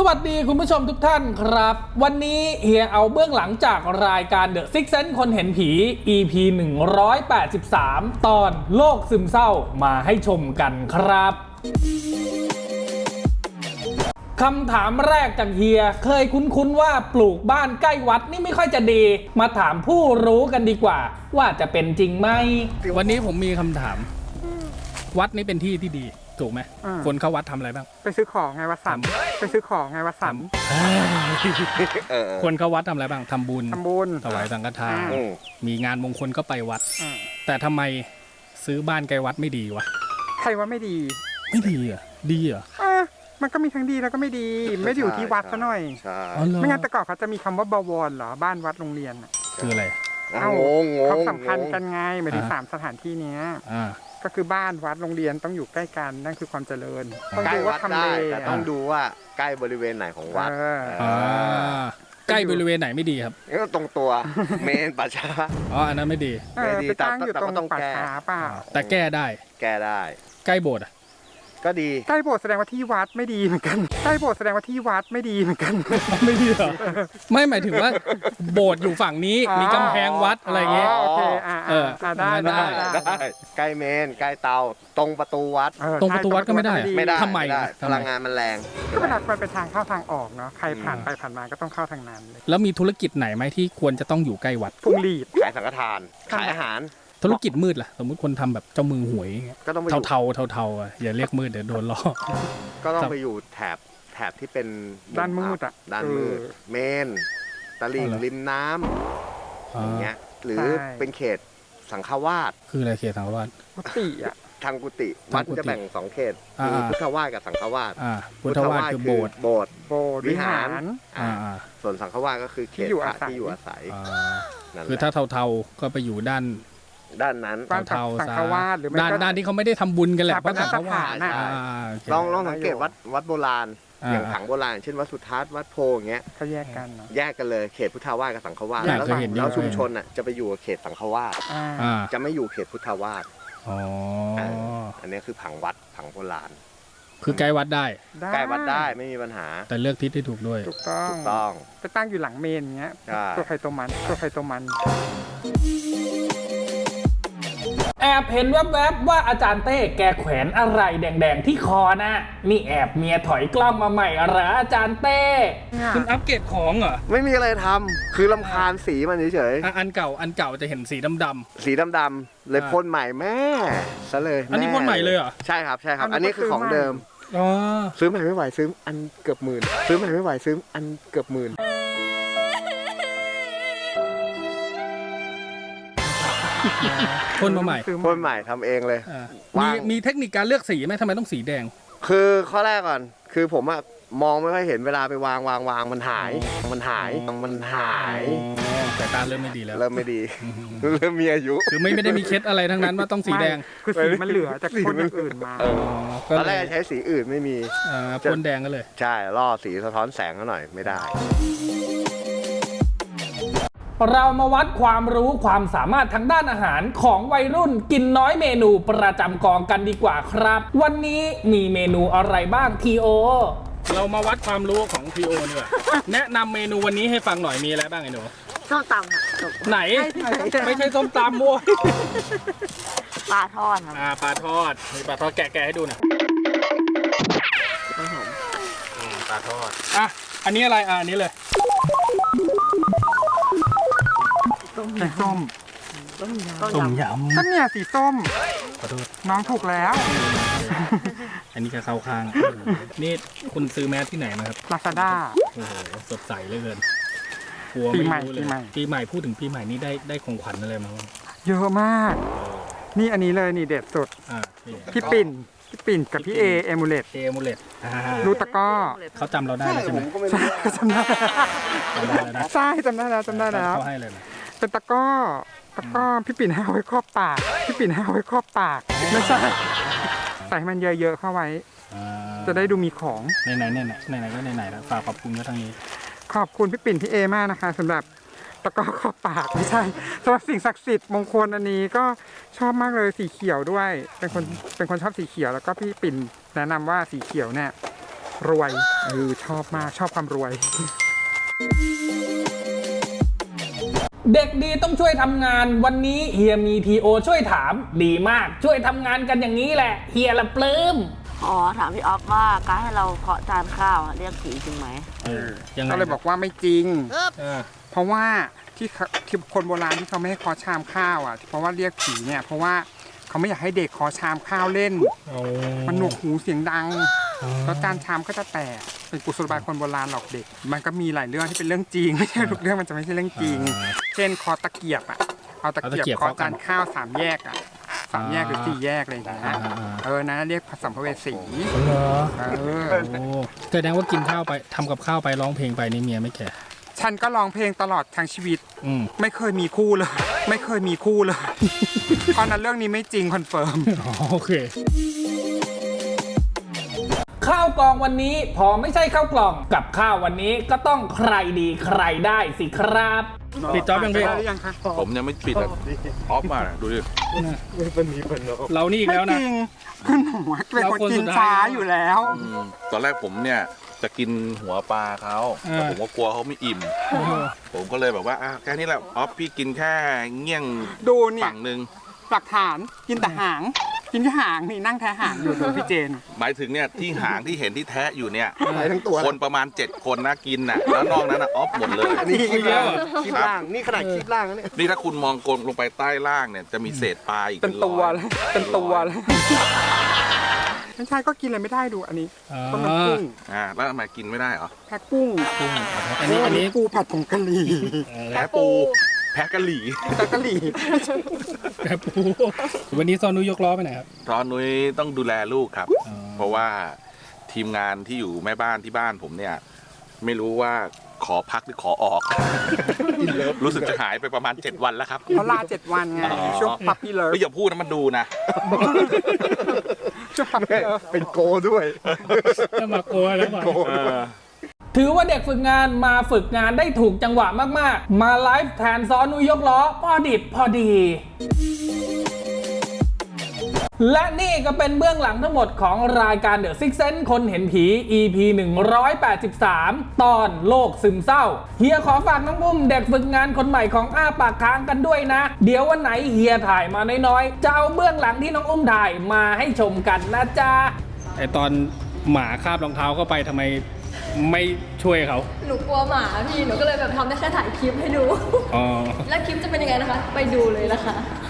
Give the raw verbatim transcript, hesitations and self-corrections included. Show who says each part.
Speaker 1: วัสดีคุณผู้ชมทุกท่านครับวันนี้เฮียเอาเบื้องหลังจากรายการ The Six Sense คนเห็นผี อี พี หนึ่งร้อยแปดสิบสาม ตอนโลกซึมเศร้ามาให้ชมกันครับคำถามแรกจากเฮียเคยคุ้นๆว่าปลูกบ้านใกล้วัดนี่ไม่ค่อยจะดีมาถามผู้รู้กันดีกว่าว่าจะเป็นจริงไหมวันนี้ผมมีคำถามวัดนี้เป็นที่ที่ดีถูกไหมคนเข้าวัดทำอะไรบ้าง
Speaker 2: ไปซื้อของไงวัดสันไปซื้อของไงวัดสัน
Speaker 1: คนเข้าวัดทำอะไรบ้างทำบุญ
Speaker 2: ทำบุญ
Speaker 1: ถวายสังฆทานมีงานมงคลก็ไปวัดแต่ทำไมซื้อบ้านใกล้วัดไม่ดีวะ
Speaker 2: ใครว่าไม่ดี
Speaker 1: ไม่ดีอ่ะดีอ่ะ
Speaker 2: มันก็มีทั้งดีแล้วก็ไม่ดีไม่ได้อยู่ที่วัดซะหน่อยไม่งั้นแต่ก่อนเขาจะมีคำว่าบวรเหรอบ้านวัดโรงเรียน
Speaker 1: คืออะไร
Speaker 2: เอ้าเขาสัมพันธ์กันไงหมายถึงสามสถานที่นี้ก็คือบ้านวัดโรงเรียนต้องอยู่ใกล้กันนั่นคือความเจริญ
Speaker 3: ต้องดูว่าทำเลแต่ต้องดูว่าใกล้บริเวณไหนของวัด
Speaker 1: ใกล้บริเวณไหนไม่ดีครับ
Speaker 3: ก็ตรงตัวเมนป่าช้า
Speaker 1: อ๋ออันนั้นไม่ดี
Speaker 2: ไม่ดีแต่ตั้งอยู่ตรงป่าช้าเปล่า
Speaker 1: แต่แก้ได้
Speaker 3: แก้ได้
Speaker 1: ใกล้โบสถ์อ่ะ
Speaker 3: ก็ดี
Speaker 2: ใกล้โบสถ์แสดงว่าที่วัดไม่ดีเหมือนกันใกล้โบสถ์แสดงว่าที่วัดไม่ดีเหมือนกัน
Speaker 1: ไม่ดีเหรอไม่หมายถึงว่าโบสถ์อยู่ฝั่งนี้มีกำแพงวัดอะไรเงี้ย
Speaker 2: โอเคอ่าเออได้ได้
Speaker 3: ได้ใกล้เมนใกล้เตาตรงประตูวัด
Speaker 1: ตรงประตูวัดก็ไม่ได้
Speaker 3: ไม่ได้
Speaker 1: ทำไม
Speaker 3: พลังงานมันแรง
Speaker 2: ก็เป็นมันเป็นทางเข้าทางออกเนาะใครผ่านไปผ่านมาก็ต้องเข้าทางนั้น
Speaker 1: แล้วมีธุรกิจไหนไหมที่ควรจะต้องอยู่ใกล้วัด
Speaker 2: พวงหลีด
Speaker 3: ขายสังฆทานขายอาหาร
Speaker 1: ธุรกิจมืดล่ะสมมติคนทำแบบเจ้ามือหวย
Speaker 3: ก็ต้อง
Speaker 1: เทาเทาเทาเทาอ่ะอย่าเรียกมืดเดี๋ยวโดนล้อ
Speaker 3: ก็ต้องไปอยู่แถบแถบที่เป็น
Speaker 2: ด้านมืดอ่ะ
Speaker 3: ด้านมืดเมนตลิ่งริมน้ำอย่างเงี้ยหรือเป็นเขตสังฆวาส
Speaker 1: คืออะไรเขตสังฆวาส
Speaker 2: กุฏิอ่ะ
Speaker 3: ทางกุฏิวัดจะแบ่งสองเขตคือพุทธวาสกับสังฆวาส
Speaker 1: พุทธวาสคือโบสถ์
Speaker 3: โบสถ์
Speaker 2: วิหาร
Speaker 3: ส่วนสังฆวาสก็คือเขตพระที่อยู่อาศัย
Speaker 1: คือถ้าเทาๆก็ไปอยู่ด้าน
Speaker 3: ด้านนั้น
Speaker 1: เทา
Speaker 2: สังฆวาสหรือ
Speaker 1: ด้านด้านที่เขาไม่ได้ทำบุญกันแหละเพราะสังฆวาส
Speaker 3: ลองลองสังเกตวัดวัดโบราณอย่างผังโบราณเช่นวัดสุทัศน์วัดโพอย่างเงี้ย
Speaker 2: เขาแยกกัน
Speaker 3: แยกกันเลยเขตพุทธวาสกับสังฆวาสแล้วแล้วชุมชนอ่ะจะไปอยู่เขตสังฆวาสจะไม่อยู่เขตพุทธวาส
Speaker 1: อ๋อ
Speaker 3: อันนี้คือผังวัดผังโบราณ
Speaker 1: คือใกล้วัดได้
Speaker 3: ใกล้วัดได้ไม่มีปัญหา
Speaker 1: แต่เลือกทิศที่ถูกด้วย
Speaker 2: ถูกต้อง
Speaker 3: ถูกต้อง
Speaker 2: ไปตั้งอยู่หลังเมนเงี้ยตัวใครตัวมันตัวใครตัวมัน
Speaker 1: แอบเห็นแวบๆว่าอาจารย์เต้แกแขวนอะไรแดงๆที่คอนะนี่แอบเมียถอยกล้องมาใหม่เหรออาจารย์เต้คุณอัปเกรดของเหรอ
Speaker 3: ไม่มีอะไรทำคือรำคาญสีมันเฉย
Speaker 1: ๆอันเก่าอันเก่าจะเห็นสีดำ
Speaker 3: ๆสีดำๆเลยพ่นใหม่แม่ซะเลย
Speaker 1: อันนี้พ่นใหม่เลยเหรอ
Speaker 3: ใช่ครับใช่ครับอันนี้คือของเดิมซื้อใหม่ไม่ไหวซื้ออันเกือบหมื่นซื้อใหม่ไม่ไหวซื้ออันเกือบหมื่น
Speaker 1: พ่นมาใหม่
Speaker 3: พ่นใหม่ทำเองเลย
Speaker 1: มีมีเทคนิคการเลือกสีไหมทำไมต้องสีแดง
Speaker 3: คือข้อแรกก่อนคือผมอะมองไม่ค่อยเห็นเวลาไปวางวางวางมันหายมันหายมันหาย
Speaker 1: แต่ตาเริ่มไม่ดีแล้ว
Speaker 3: เริ่มไม่ดีเริ่มมีอายุ
Speaker 1: คือไม่ไม่ได้มีเคล็ดอะไรทั้งนั้นว่าต้องสีแดง
Speaker 2: คือสีมันเหลือจากพ่นอย่างอื่นมา
Speaker 3: ตอนแรกใช้สีอื่นไม่มี
Speaker 1: พ่นแดงก็เลย
Speaker 3: ใช่ล่อสีสะท้อนแสงก็หน่อยไม่ได้
Speaker 1: เรามาวัดความรู้ความสามารถทางด้านอาหารของวัยรุ่นกินน้อยเมนูประจำกองกันดีกว่าครับวันนี้มีเมนูอะไรบ้างทีโอเรามาวัดความรู้ของทีโอดีกว่าแนะนำเมนูวันนี้ให้ฟังหน่อยมีอะไรบ้างไอ้หนู
Speaker 4: ส้มตำค่ะ
Speaker 1: ไหนไม่ใช่ส้มตำมั่ว
Speaker 4: ปลาทอดครับ
Speaker 1: อ่าปลาทอดมีปลาทอดแกะๆให้ดูหน่อยปลาทอดอ่ะอันนี้อะไรอ่ะอันนี้เลย
Speaker 2: สีส้ม
Speaker 1: ต้มยำ
Speaker 2: ก็เนี่ยสีส้ม
Speaker 1: ขอโทษ
Speaker 2: น้องถูกแล้ว
Speaker 1: อันนี้ก็เข้าข้างนี่คุณซื้อแมสที่ไหนมาครับ
Speaker 2: ลาซาด้า
Speaker 1: โอ้โหสดใสเหลือเกิน
Speaker 2: ปีใหม่ปีใหม่
Speaker 1: ปีใหม่พูดถึงปีใหม่นี่ได้ได้ของขวัญอะไรมาบ้าง
Speaker 2: เยอะมากนี่อันนี้เลยนี่เด็ดสุดพี่ปิ่นพี่ปิ่นกับพี่เอเอมูเลต
Speaker 1: เอมูเลต
Speaker 2: รูตะก้อ
Speaker 1: เขาจำเราได้ใช่ไหม
Speaker 2: ใช่จำได้ใช่จำได้แล้วจำได้แล้ว
Speaker 1: เขาให้เลย
Speaker 2: เป็นตะก้อตะก้อพี่ปิ่นให้เอาไว้ครอบปากพี่ปิ่นให้เอาไว้ครอบปากไม่ใช่ใส่มันเยอะๆเข้าไว้จะได้ดูมีของ
Speaker 1: ไหนไหนไหนไหนไหนก็ไหนไหนแล้วฝากขอบคุณก็ทางนี้
Speaker 2: ขอบคุณพี่ปิ่นพี่เอมากนะคะสำหรับตะก้อครอบปากไม่ใช่สำหรับสิ่งศักดิ์สิทธิ์มงคลอันนี้ก็ชอบมากเลยสีเขียวด้วยเป็นคนเป็นคนชอบสีเขียวแล้วก็พี่ปิ่นแนะนำว่าสีเขียวเนี่ยรวยเออชอบมากชอบความรวย
Speaker 1: เด็กดีต้องช่วยทำงานวันนี้เฮียมีทีโอช่วยถามดีมากช่วยทำงานกันอย่างนี้แหละเฮียละปลื้ม
Speaker 4: อ๋อ ถามพี่ออฟว่าการให้เราเคาะจานข้าวอะเรียกผีจริงไหม
Speaker 1: เออยังไง
Speaker 2: ก็เลยบอกว่าไม่จริง
Speaker 1: เออ
Speaker 2: เพราะว่าที่เขาที่คนโบราณที่เขาไม่ให้เคอชามข้าวอ่ะเพราะว่าเรียกผีเนี่ยเพราะว่าเขาไม่อยากให้เด็กเคอชามข้าวเล่น มันหนวกหูเสียงดังแล้วจานชามก็จะแตกเป็นกุศโลบายคนโบราณหลอกเด็ก มันก็มีหลายเรื่องที่เป็นเรื่องจริงไม่ใช่ทุกเรื่องมันจะไม่ใช่เรื่องจริง เช่นเคอตะเกียบอ่ะเอาตะเกียบเคอจานข้าวสามแยกอ่ะสามแยกหรือสี่แยกอะไรอย่างเงี้ยเออนะเรียกสัมภเวสี
Speaker 1: เหรอ
Speaker 2: เออ
Speaker 1: โอ้แสดงว่ากินข้าวไปทำกับข้าวไปร้องเพลงไปนี่เมียไม่แก่
Speaker 2: ฉันก็ร้องเพลงตลอดทั้งชีวิต
Speaker 1: อืม
Speaker 2: ไม่เคยมีคู่เลย ไม่เคยมีคู่เลย เพราะนั้นเรื่องนี้ไม่จริงคอนเฟิร์ม
Speaker 1: อ๋อโอเค ข้าวกล่องวันนี้พอไม่ใช่ข้าวกล่องกับข้าววันนี้ก็ต้องใครดีใครได้สิครับปิดจอบยังพี่
Speaker 2: ได้หรือยังคะ
Speaker 5: ผมยังไม่ปิดอ่ะออฟมาดูดิ
Speaker 1: เรานี่อีก
Speaker 2: ไม่
Speaker 1: แล้ว
Speaker 2: จ
Speaker 1: นะ
Speaker 2: ริงคุณหนูเป็นคนกินช้าอยู่แล้ว
Speaker 5: อืมตอนแรกผมเนี่ยจะกินหัวปลาเขาแต่ผมก็กลัวเขาไม่อิ่ม ผมก็เลยแบบว่าอ่ะแค่นี้แหละออฟพี่กินแค่เงี้ยง
Speaker 2: ดูเนี่ย
Speaker 5: ฝั่งหนึ่ง
Speaker 2: หลักฐานกินแต่หาง กินแค่หางนี่นั่งแท้หางอยู่ดูพี่เจน
Speaker 5: หมายถึงเนี่ยที่หางที่เห็นที่แทะอยู่เนี่ย
Speaker 3: ไปทั้งตัว
Speaker 5: คนประมาณเจ็ดคนนะกินน่ะแล้วนอกนั้นน่ะออฟหมดเลย
Speaker 3: อันนี้คลิปล่างคลิปล่าง นี่ขนาดคลิปล่างนะเนี่ย
Speaker 5: นี่ถ้าคุณมองกลมลงไปใต้ล่างเนี่ยจะมีเศษปลาอีก
Speaker 2: เป็นตัว
Speaker 5: ร้อย
Speaker 2: เลยเป็นตัวเลยไม่ใช่ก็กินอะไรไม่ได้ดูอันนี้
Speaker 1: อ่า
Speaker 2: ต้มน้ำกุ้ง
Speaker 5: อ่าแล้วทำไมกินไม่ได้เหรอ
Speaker 2: แพ็กกุ้ง
Speaker 1: อันนี้อันนี้
Speaker 2: ปูผัดผงกะหรี่
Speaker 5: แพ้ปูแพ้กะหรี่
Speaker 2: แพ็กกะหรี่
Speaker 1: แบบปูวันนี้ซอนุยกล้อไปไหนครับ
Speaker 5: ตอนนุ้ยต้องดูแลลูกครับ
Speaker 1: อ๋อ
Speaker 5: เพราะว่าทีมงานที่อยู่แม่บ้านที่บ้านผมเนี่ย ไม่รู้ว่าขอพักหรือขอออก รู้สึกจะหายไปประมาณเจ็ดวันแล้วครับ
Speaker 2: เขาลาเจ็ดวันไง
Speaker 5: อ๋อ
Speaker 2: ช่วงพับปี้เลิฟ
Speaker 5: ไม่อย่าพูดนะมันดูนะ
Speaker 2: ช่วงพับปี้เลิฟ
Speaker 3: เป็นโกด้วย
Speaker 1: จะมาโกยแล้วก่อน
Speaker 5: เออ
Speaker 1: ถือว่าเด็กฝึกงานมาฝึกงานได้ถูกจังหวะมากๆ มาไลฟ์แทนซอนุยกล้อพอดิบพอดี และนี่ก็เป็นเบื้องหลังทั้งหมดของรายการ The Six Sense คนเห็นผี อี พี หนึ่งร้อยแปดสิบสาม ตอนโลกซึมเศร้า เฮียขอฝากน้องอุ้มเด็กฝึกงานคนใหม่ของอ้าปากค้างกันด้วยนะ เดี๋ยววันไหนเฮียถ่ายมาน้อยๆ จะเอาเบื้องหลังที่น้องอุ้มถ่ายมาให้ชมกันนะจ๊ะไอตอนหมาคาบรองเท้าเข้าไปทำไมไม่ช่วยเขา
Speaker 6: หนูกลัวหมาพี่ หนูก็เลยแบบทำได้แค่ถ่ายคลิปให้ดู
Speaker 1: อ๋อ
Speaker 6: แล้วคลิปจะเป็นยังไงนะคะ ไปดูเลยนะคะ